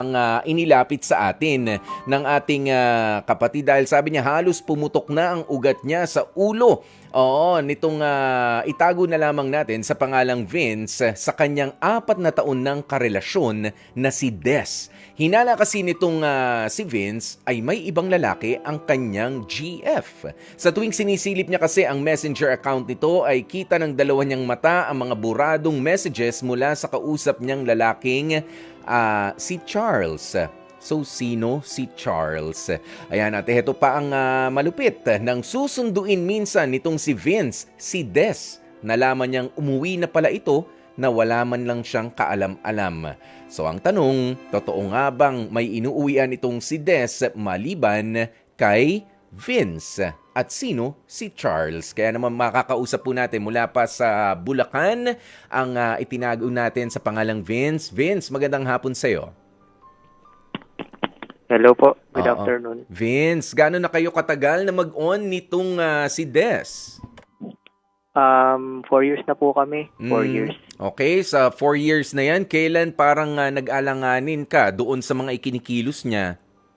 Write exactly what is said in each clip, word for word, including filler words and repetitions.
ang ah, inilapit sa atin ng ating ah, kapatid dahil sabi niya halos pumutok na ang ugat niya sa ulo. Oo, nitong ah, itago na lamang natin sa pangalang Vince eh, sa kanyang apat na taon ng karelasyon na si Des. Hinala kasi nitong ah, si Vince ay may ibang lalaki ang kanyang G F. Sa tuwing sinisilip niya kasi ang messenger account nito ay kita ng dalawa niyang mata ang mga buradong messages mula sa kausap niyang lalaking ah, si Charles. So, sino si Charles? Ayan, at ito pa ang ah, malupit. Nang susunduin minsan nitong si Vince, si Des, nalaman niyang umuwi na pala ito na wala man lang siyang kaalam-alam. So, ang tanong, totoo nga bang may inuuwian itong si Des maliban kay Vince? At sino si Charles? Kaya naman makakausap po natin mula pa sa Bulacan ang ah, itinago natin sa pangalang Vince. Vince, magandang hapon sa'yo. Hello po. Good Oo. afternoon. Vince, gaano na kayo katagal na mag-on nitong ah, si Des? Um, four years na po kami. Four Mm, years. Okay, sa four years na yan, kailan parang ah, nag-alanganin ka doon sa mga ikinikilos niya?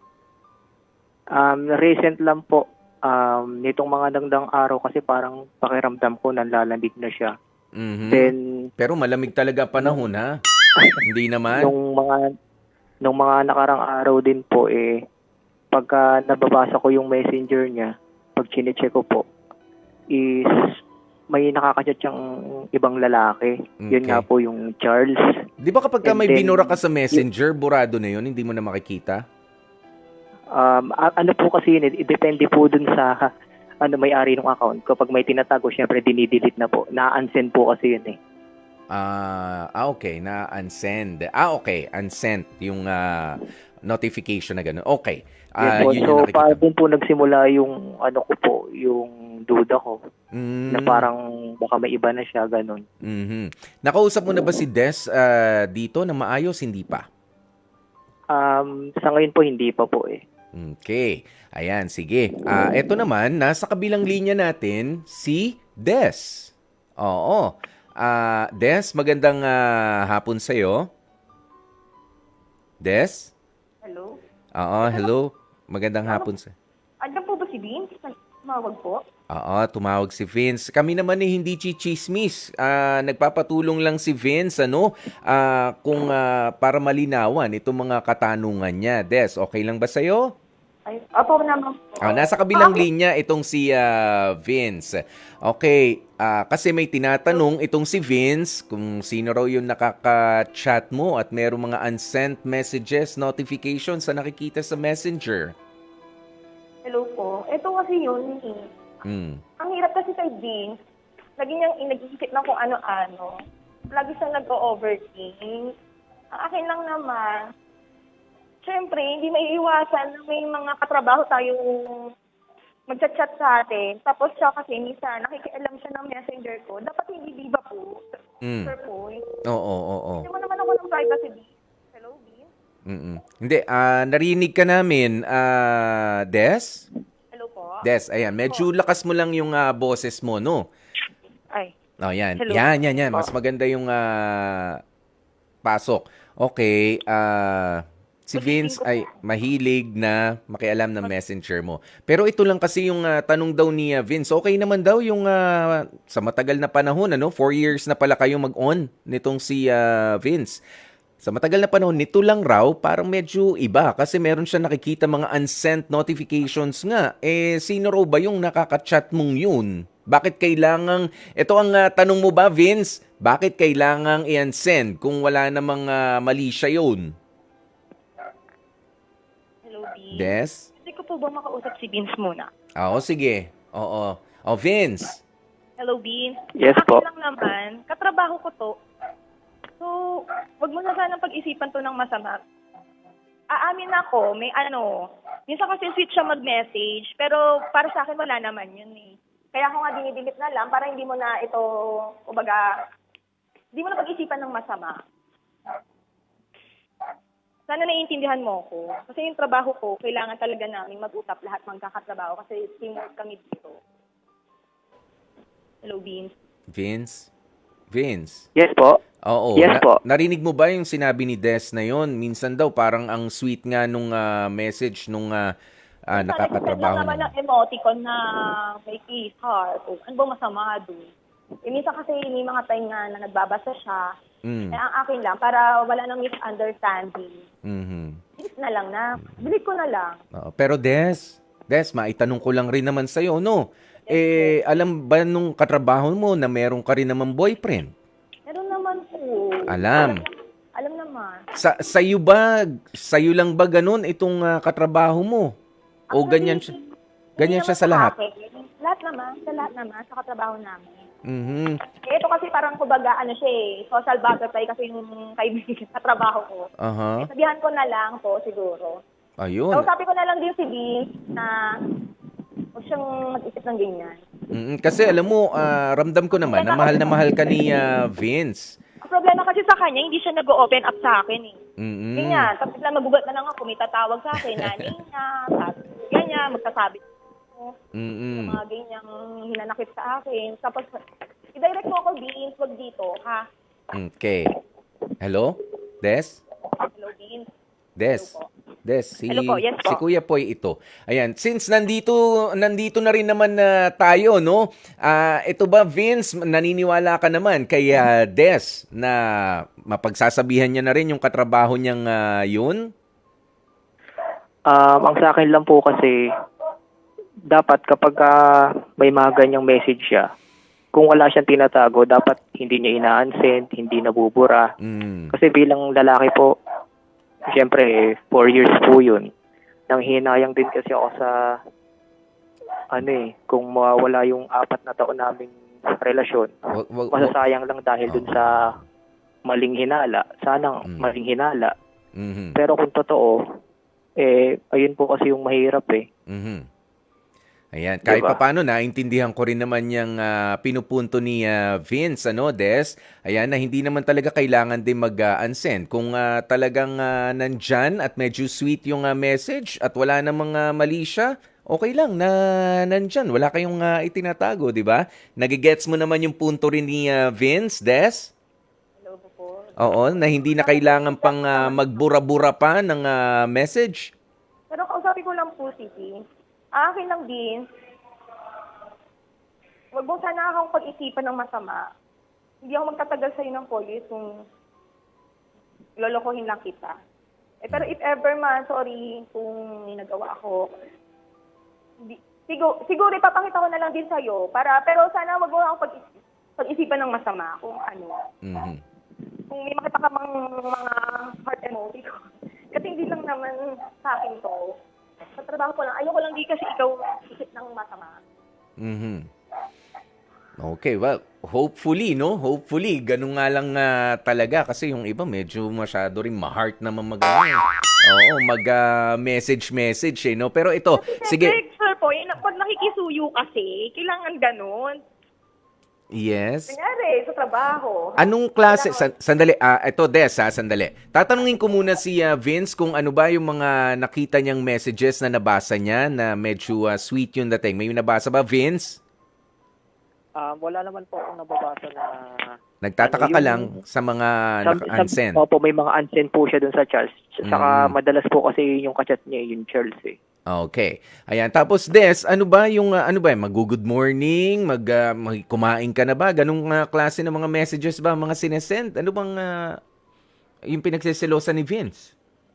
Um, recent lang po. Um, nitong mga dangdang araw kasi parang pakiramdam ko nanlalamig na siya. Mhm. Then, Pero malamig talaga ang panahon, ha? Hindi naman? nung mga nung mga nakarang araw din po eh, pagka nababasa ko yung messenger niya, pag chinecheck ko po, is may nakakachat siyang ibang lalaki. Yun Okay. nga po yung Charles. Di ba kapag ka And may then, binura ka sa messenger, burado na yun, hindi mo na makikita? Um, a- ano po kasi yun, eh, depende po dun sa ano may-ari ng account. Kapag may tinatago, syempre dinidelete na po. Na-unsend po kasi yun eh. Ah, ah, okay, na unsend. Ah, okay, unsent yung ah, notification na gano'n. Okay. Yes Ah, po. yun So, yung parang nakikita. dun po nagsimula yung ano ko po, yung duda ko. Mm, Na parang baka may iba na siya, ganun. mhm. Nakausap mo na ba si Des ah, dito na maayos? Hindi pa. Um, sa ngayon po, hindi pa po eh. Okay. Ayan, sige. Ah, eto naman, nasa kabilang linya natin si Des. Oo. Ah, Des, magandang ah, hapon sa'yo. Des? Hello? Oo, hello. Magandang hapon sa. Andiyan po ba si Vince? Tumawag po? Oo, tumawag si Vince. Kami naman eh hindi chichismis. Ah, nagpapatulong lang si Vince ano, ah, kung ah, para malinawan itong mga katanungan niya. Des, okay lang ba sa'yo? Ay, opo naman po. Ah, nasa kabilang Ah, okay. linya itong si ah, Vince. Okay, ah, kasi may tinatanong itong si Vince kung sino raw yung nakaka-chat mo at merong mga unsent messages, notifications na nakikita sa Messenger. Hello po. Ito kasi yun eh. Hmm. Ang hirap kasi kay Vince. Lagi niyang nag-iisip ng kung ano-ano. Lagi siyang nag-overthink. Ang akin lang naman, syempre, hindi maiiwasan na may mga katrabaho tayong magchat-chat sa atin. Tapos siya kasi minsan, nakikialam siya ng messenger ko. Dapat hindi di ba po? Mm. Sir po. Oo, oo, oo. Hindi mo naman ako ng privacy, Vince. Hello, Vince? Mm-mm. Hindi, ah, narinig ka namin, ah, Des? Hello po? Des, ayan, medyo lakas mo lang yung ah, boses mo, no? Ay, Oh, yan. hello. Yan, yan, yan. Po. Mas maganda yung ah, pasok. Okay, ah, si Vince ay mahilig na makialam ng messenger mo. Pero ito lang kasi yung ah, tanong daw ni ah, Vince. Okay naman daw yung ah, sa matagal na panahon, ano? Four years na pala kayong mag-on nitong si ah, Vince. Sa matagal na panahon, nito lang raw, parang medyo iba kasi meron siya nakikita mga unsent notifications nga. Eh, sino raw ba yung nakaka-chat mong yun? Bakit kailangang, ito ang ah, tanong mo ba, Vince? Bakit kailangang i-unsend kung wala namang ah, mali siya yun? Hello, Vince. Des? Hindi ko po ba makausap si Vince muna? Oo, sige. Oo. Oh, Vince. Hello, Vince. Yes Akin po. lang naman, katrabaho ko to. So, wag mo na sanang pag-isipan to ng masama. Aamin ako, may ano, minsan kasi sweet siya mag-message, pero para sa akin wala naman yun eh. Kaya ako nga dinidelete na lang para hindi mo na ito, kumbaga, hindi mo na pag-isipan ng masama. Sana naiintindihan mo ko. Kasi yung trabaho ko, kailangan talaga namin mag-usap lahat magkakatrabaho kasi teamwork kami dito. Hello, Vince. Vince? Vince? Yes po. Oo. Yes Na- po. narinig mo ba yung sinabi ni Des na yon? Minsan daw parang ang sweet nga nung ah, message nung ah, ah, Minsan, nag-send lang nakakatrabaho naman niya. ng emoticon na may kiss heart. O, ano ba masama doon? Eh, minsan kasi may mga time nga na nagbabasa siya. Mm. Eh, ang akin lang, para wala nang misunderstanding. Mhm. Delete na lang na. Delete ko na lang. Oo. Pero Des, Des, maitanong ko lang rin naman sa'yo, no? Eh, alam ba nung katrabaho mo na meron ka rin naman boyfriend? Meron naman po. Alam. Alam naman. Sa sa'yo ba, sa'yo lang ba ganun itong ah, katrabaho mo? O Actually, ganyan siya? hindi Ganyan naman siya sa lahat? akin. Lahat naman. Sa lahat naman. Sa katrabaho namin. Mhm. Eh, ito kasi parang kumbaga, ano siya eh, social butterfly kasi yung kaibigan sa trabaho ko. Aha. Eh, sabihan ko na lang po siguro. Ayun. So, sabi ko na lang din si Vince na huwag siyang mag-isip ng ganyan. Mm, kasi alam mo, ah, ramdam ko naman na mahal na mahal ka ni ah, Vince. Ang problema kasi sa kanya, hindi siya nag-open up sa akin eh. Mm. Ganyan. Tapos lang magugat na lang ako, may tatawag sa akin, nanay niya, tapos ganyan, magsasabi ko, Mm. mga ganyang hinanakit sa akin. Tapos, i-direct mo ako, Vince, wag dito, ha? Okay. Hello? Des? Hello, Vince. Des? Hello po. Des, si, Hello po, yes po. si Kuya Poy ito. Ayan, since nandito nandito na rin naman na tayo, no? Ah, ito ba Vince, naniniwala ka naman kay ah, Des na mapagsasabihan niya na rin yung katrabaho niyang ah, yun? Um, ang sa akin lang po kasi, dapat kapag ah, may mga ganyang message siya, kung wala siyang tinatago, dapat hindi niya ina-unsend, hindi nabubura. Mm. Kasi bilang lalaki po, siyempre, four years po yun. Nang hinayang din kasi ako sa, ano eh, kung mawawala yung apat na taon naming relasyon, Wag, wag, wag, masasayang lang dahil dun sa maling hinala. Sana Mm. maling hinala. Mhm. Pero kung totoo, eh, ayun po kasi yung mahirap eh. Mhm. Ayan, kahit Diba? papaano naintindihan ko rin naman yung ah, pinupunto ni ah, Vince, ano, Des? Ayan, na hindi naman talaga kailangan din mag-unsend. Kung ah, talagang ah, nandyan at medyo sweet yung ah, message at wala namang ah, mali siya, okay lang na nandyan. Wala kayong ah, itinatago, di ba? Nagigets mo naman yung punto rin ni ah, Vince, Des? Hello po. Oo, na hindi na kailangan pang ah, magbura-bura pa ng ah, message. Pero kausapin ko lang po si Vince. Ang akin lang din, wag mo sana akong pag-isipan ng masama. Hindi ako magtatagal sa'yo ng four years kung lolokohin lang kita. Eh, pero if ever man, sorry kung may nagawa ako, hindi, siguro, siguro ipapakita ko na lang din sa'yo. Para, pero sana wag mo akong pag-isip, pag-isipan ng masama kung ano. Mhm. Kung may makita ka mang mga heart emoji ko. Kasi hindi lang naman sa akin to. Sa trabaho ko lang. Ayoko lang di kasi ikaw isip ng masama. Mhm. Okay, well, hopefully, no? Hopefully, ganun nga lang nga talaga kasi yung iba medyo masyado rin ma-heart naman mag Oo, mag-message-message eh, no? Pero ito, sige. Siyempre, sir po, yun, pag nakikisuyo kasi, kailangan ganun. Yes. Kunyari, sa trabaho. Anong klase, san- sandali, ah, ito Des ha, sandali. Tatanungin ko muna si ah, Vince kung ano ba yung mga nakita niyang messages na nabasa niya na medyo ah, sweet yung dating. May nabasa ba, Vince? Um, wala naman po akong nababasa na... Nagtataka Ano ka yung- lang sa mga Some- naka-unsend. some- Opo, may mga unsend po siya dun sa Charles. Saka Mm. madalas po kasi yung kachat niya, yung Charles eh. Okay. Ayan, tapos Des, ano ba yung ah, ano ba, mag-good morning, mag, ah, mag- kumain ka na ba? Ganung ah, klase ng mga messages ba mga sinesend? Ano bang ah, yung pinagseselosan ni Vince?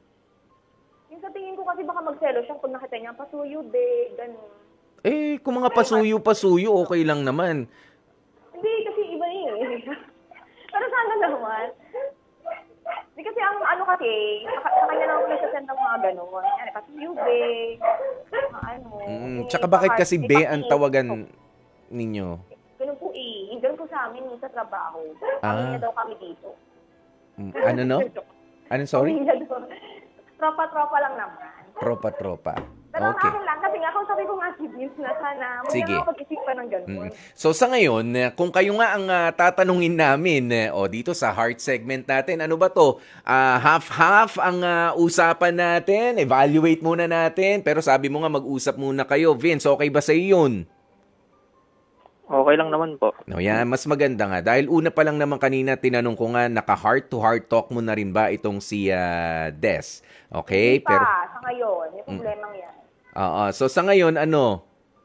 Yung sa tingin ko kasi baka magselo siya kung nakita niya, pasuyo, de, ganun. Eh, kung mga pasuyo-pasuyo, okay lang naman. Hindi, kasi iba eh. Pero sana naman. Hindi kasi ang ano kasi, sa, sa kanya lang ako nagsasend ng mga gano'n. Yan, pasuyo, de, mga ano. Mm, may tsaka bakit pa- kasi may be ang pa- tawagan ninyo? Ganun po eh. Ganun po sa amin sa trabaho. Ah. Pamilya daw kami dito. Mm, Ano no? Ano sorry? Pamilya daw. Tropa-tropa lang naman. Tropa-tropa. Pero Okay. sa akin lang, kasi nga kung sabi ko nga si Vince na sana, huwag Sige. na ako pag-isipan ng ganun. Mm. So sa ngayon, eh, kung kayo nga ang ah, tatanungin namin eh, o dito sa heart segment natin, ano ba to? Ah, half-half ang ah, usapan natin, evaluate muna natin, pero sabi mo nga mag-usap muna kayo. Vince, okay ba sa iyo yun? Okay lang naman po. No, yan, mas maganda nga. Dahil una pa lang naman kanina, tinanong ko nga, naka-heart-to-heart talk mo na rin ba itong si ah, Des? Okay? Hindi pa, Pero, sa ngayon, yung problemang yan. oo. So, sa ngayon, ano?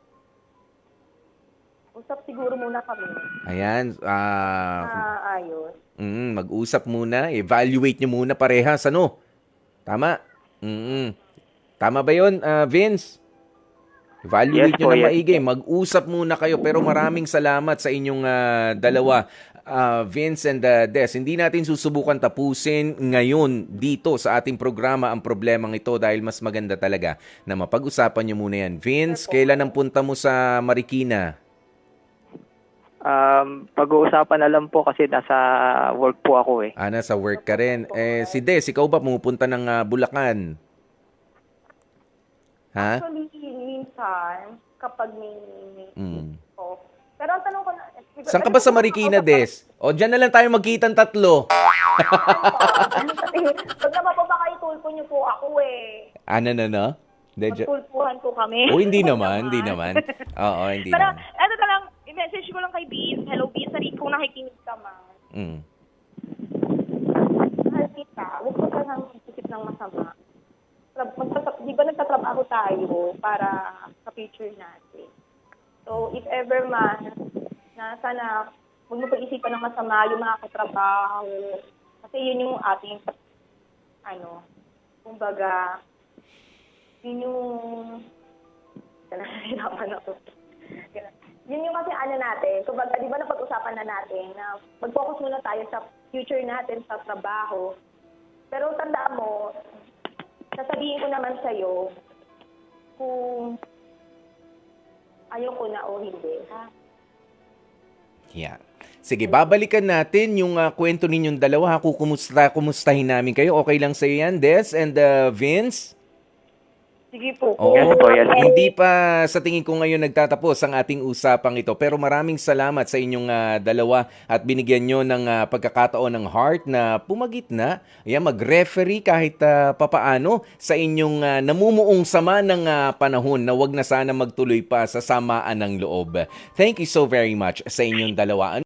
Usap siguro muna kami. Ayan, ah, Ah, ayos. mm, mag-usap muna. Evaluate nyo muna parehas, ano? Tama? Mm. Tama ba yun, ah, Vince? Evaluate Yes nyo po, na yes. maigi. Mag-usap muna kayo. Pero maraming salamat sa inyong ah, dalawa, ah, Vince and ah, Des. Hindi natin susubukan tapusin ngayon dito sa ating programa ang problemang ito dahil mas maganda talaga na mapag-usapan nyo muna yan. Vince, kailan ang punta mo sa Marikina? Um, pag-uusapan na lang po kasi nasa work po ako eh. Ah, nasa work ka rin. Eh, si Des, ikaw ba pumupunta ng ah, Bulacan? Ha? Actually, minsan, kapag may... Mm. Oh. Pero ang tanong ko na... Saan ka ba sa Marikina, Des? O, dyan na lang tayo magkitang tatlo. Pag naman po baka itulpo niyo po ako eh. Ano na, no? De- Magtulpuhan po kami. O, hindi naman, hindi naman. Oo, hindi Pero, naman. ano ka lang, i-message ko lang kay Beans. Hello, Beans. Sorry, kung nakikinig ka man. Mm. Mahal kita. Huwag ko ka nang isip ng masama. Trab- magtatra- Di ba nagtatrabaho tayo para sa future natin? So, if ever man, na sana huwag mo pag-isipan ng masama yung mga katrabaho. Kasi yun yung ating, ano, kumbaga, yun yung, nahihirapan ako. Yun yung kasi ano natin, kumbaga, di ba napag-usapan na natin na mag-focus muna tayo sa future natin sa trabaho. Pero tandaan mo, sasabihin ko naman sa'yo kung ayaw ko na o hindi, ha? Yeah. Sige, babalikan natin yung ah, kwento ninyong dalawa. Ha? Kukumusta, kumustahin namin kayo. Okay lang sa'yo yan, Des and ah, Vince? Sige po. Oo, Yes po, yes po. hindi pa sa tingin ko ngayon nagtatapos ang ating usapang ito. Pero maraming salamat sa inyong ah, dalawa at binigyan nyo ng ah, pagkakataon ng heart na pumagitna. Ayan, mag-referee kahit ah, papaano sa inyong ah, namumuong sama ng ah, panahon na wag na sana magtuloy pa sa samaan ng loob. Thank you so very much sa inyong dalawa.